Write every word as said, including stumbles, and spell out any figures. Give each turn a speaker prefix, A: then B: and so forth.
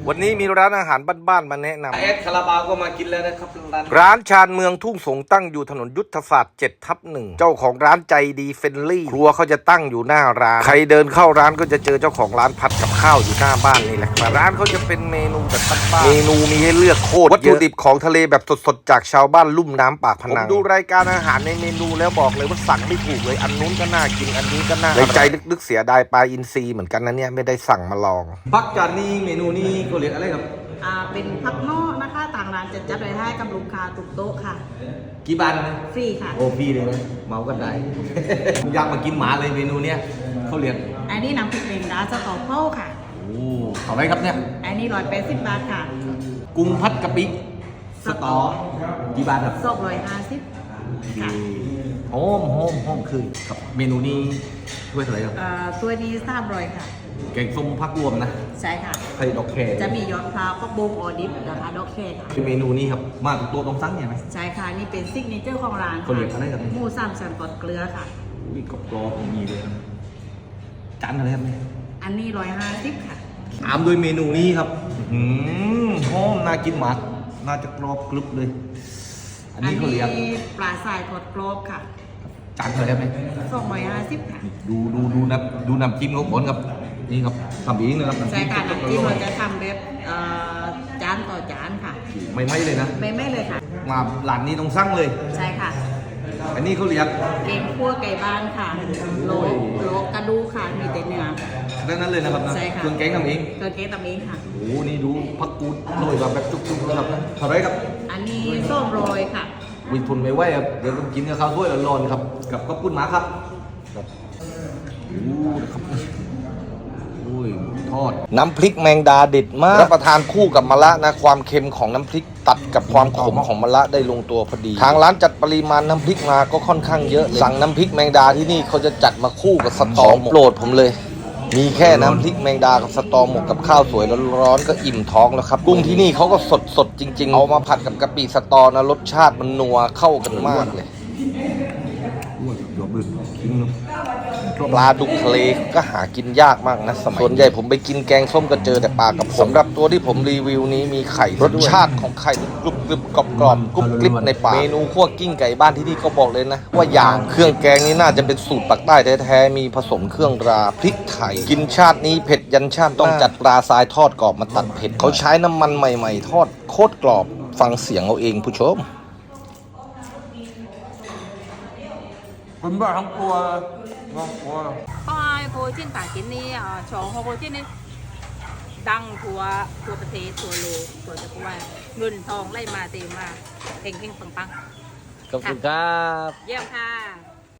A: วันนี้มีร้านอาหารบ้านๆมาแนะนำ
B: เอสคาราบาวก็มากินแล้วนะครับร้าน
A: ร้านชาญเมืองทุ่งสงตั้งอยู่ถนนยุทธศาสตร์เจ็ดทับหนึ่งเจ้าของร้านใจดีเฟรนลี่ครัวเขาจะตั้งอยู่หน้าร้านใครเดินเข้าร้านก็จะเจอเจ้าของร้านผัดกับข้าวอยู่หน้าบ้านนี่แหละร้านเขาจะเป็นเมนูแบบบ้านๆเมนูมีให้เลือกโคตรเยอะวัตถุดิบของทะเลแบบสดๆจากชาวบ้านลุ่มน้ำปากพนังผมดูรายการอาหารในเมนูแล้วบอกเลยว่าสั่งไม่ถูกเลยอันนู้นก็น่ากินอันนี้ก็น่าในใจลึกๆเสียดายปลาอินทรีเหมือนกันนะเนี่ยไม่ได้สั่งมาลอง
B: พักจานนี้เมนูนี้ก็เรียกอะไรครับ
C: อ่าเป็นพักนอกนะคะต่างร้านจะจัดไว้ให้กับลูกค้าทุกโต๊ะค่ะ
B: กี่บาทนะ
C: ฟรีค่ะ
B: โอ้ฟรีเลยนะเมากันได้ อยากมากินหมาเลยเมนูเนี้ยเขาเรียก
C: อันนี้น้ำพริกเมงดาสตอเป้าค่ะ
B: โอ้เท่าไรครับเนี่ย
C: อันนี้ร้อยแปดสิบบาทค่ะ
B: กุ้งพัดกะปิสตอกี่บาทครับ
C: สองร้อยห้าสิบค่ะ
B: หอมหอมหอมคือครับเมนูนี้ถ้วยเท่าไหร่ครับ
C: อ่าตัวนี้สามร้อยค่ะ
B: แกงส้มพักรวมนะ
C: ใช่ค่ะ
B: ไข่ดอกแคร์
C: จะมียอดพร้าวฟักบงออดิฟนะคะดอกแคร์ค่ะ
B: คือเมนูนี้ครับมาตัวตรงซังเนี่ยไหม
C: ใช่ค่ะนี่เป็นซิกเนเจอร์ของร้าน
B: เขาเรียกอะไรครับ
C: หมูสามชั้นทอดเกลือค่ะ
B: อุ้ยกรอบกรอบมีเลยจานอะไรครับเนี่ย
C: อันนี้ร้อยห้าสิบค่ะ
B: ตามด้วยเมนูนี้ครับอืมหอมน่ากินมากน่าจะกรอบกรึบเลยอันนี้เขาเรียก
C: ปลาทรายทอดกรอบค่ะ
B: จานเท่าไหร่ครับเนี่ย
C: สองร้อยห้าสิบค่ะ
B: ดูดูดูน้ำดูน้ำจิ้มเขาผลครับนี่ครับทำเองนะครับ
C: น้ำจิ้มใช่ค่ะน้ำจิ้มเราจะทำแบบจานต่อจานค่ะ
B: ไม่ไม่เลยนะ
C: ไม่ไม่เลยค่ะ
B: มาหลานนี้ต้องสั่งเลย
C: ใช่ค่ะ
B: อันนี้เขาเรียก
C: เก่งคั่วไก่บ้านค่ะโลโลกระดูค่ะมีแต่เนื้อ
B: ดังนั้นเลยนะครับนะ
C: ใช่ค่ะ
B: เครื่องแกงทำเอง
C: เครื่องแกงทำเองค่ะ
B: โอ้นี่ดูผักกูดโรยแบบจุกๆนะครับเท่าไรครับ
C: อันนี้ส้มโรยค่ะ
B: วิทนไม่ไหวครับเดี๋ยวต้องกินกับข้าวถ้วยร้อนๆครับกับข้าวปุ้นหมาครับครับโอ้ครับอุ้ยทอด
A: น้ำพริกแมงดาเด็ดมากรับประทานคู่กับมะระนะความเค็มของน้ำพริกตัดกับความขมของมะระได้ลงตัวพอดีทางร้านจัดปริมาณน้ำพริกมาก็ค่อนข้างเยอะสั่งน้ำพริกแมงดาที่นี่เขาจะจัดมาคู่กับสตอโปรดผมเลยมีแค่น้ำพริกแมงดากับสตอหมกกับข้าวสวยร้อนๆก็อิ่มท้องแล้วครับกุ้งที่นี่เขาก็สดสดจริงๆเอามาผัดกับกะปิสตอนะรสชาติมันนัวเข้ากันมากเลยปลาดุกทะเลก็หากินยากมากนะสมัยส่วนใหญ่ผมไปกินแกงส้มก็เจอแต่ปลากระพงสำหรับตัวที่ผมรีวิวนี้มีไข่รสชาติของไข่กรุบกรุบกรอบกรอบกรุบกริบในปากเมนูคั่วกิ้งไก่บ้านที่นี่ก็บอกเลยนะว่าอย่างเครื่องแกงนี้น่าจะเป็นสูตรปักใต้แท้ๆมีผสมเครื่องราพริกไทยกินชาตินี้เผ็ดยันชาติต้องจัดปลาทรายทอดกรอบมาตัดเผ็ดเขาใช้น้ำมันใหม่ๆทอดโคตรกรอบฟังเสียงเอาเองผู้ชม
B: คุณบ้าทั้งตัวน้องตัว
D: ก็ไอ้โพจินต่างกินนี่อ่าชองโพจินนี่ดังทั่วทั่วประเทศทั่วโลกทั่วจักรวาลเงินทองไล่มาเต็มมาเฮงเฮงปังปัง
A: ขอบคุณครับ
D: เยี่ยมค่ะ